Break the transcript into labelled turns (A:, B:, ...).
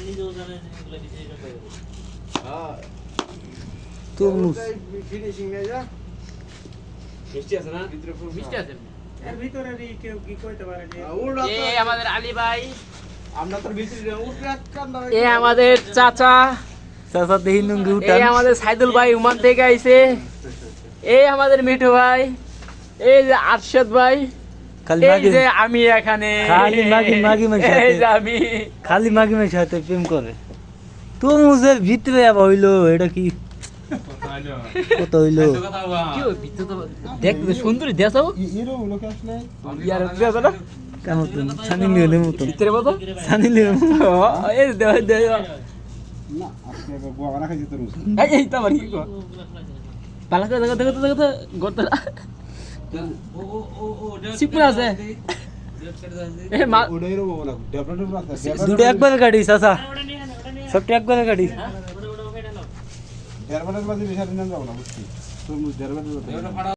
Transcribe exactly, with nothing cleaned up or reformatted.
A: নিজেও জানে যে এগুলো কিছু এটা পাইবে
B: হ্যাঁ
C: তরমুজ
B: ফিনিশিং নেই যা মিষ্টি আছে না ভিতরে খুব
A: মিষ্টি আছে
D: এর ভিতরে রি কেউ কি কইতে পারে যে
B: উড়া তো
A: এই আমাদের আলী ভাই
B: আমরা তো ভিতরে উঠে কান্দা
A: এই আমাদের চাচা
C: চাচা দেহি নুঙ্গি
A: এই
C: উঠান
A: আমাদের সাইদুল ভাই উমান থেকে আইছে এই আমাদের মিঠু ভাই এই যে আরশাদ ভাই
C: খালি
A: এই
C: মাগি
A: যে আমি এখানে
C: খালি মাগি মাগি মাগি
A: এই যে আমি
C: খালি মাগি মাগি সাথে প্রেম করে তরমুজের ভিতরে আবার হইলো এটা কি কত হইলো
A: কি ওই ভিতরে তো দেখ সুন্দরী দেখাও
B: হিরো লোক আসলে
A: ইয়ার দেখো না
C: কেমন সানি লিওনের মতো
A: ভিতরে বলো
C: সানি লিওন
A: এই দেখ দেখ
B: না আজকে গোয়া বানা খাইছি তোর
A: এই এই তো আমার কি কো পালা দেখো দেখো দেখো দেখো গর্ত ও ও ও ও সিপুর আছে এ মা
B: ওটাই রো বলা ডেভেলপ আছে
C: দুটো একবারে গাড়ি চাচা সবটা একবারে গাড়ি
B: ডেভেলপ বাজি বেশি দিন যাও না বুঝছি তোর মুজ ডেভেলপ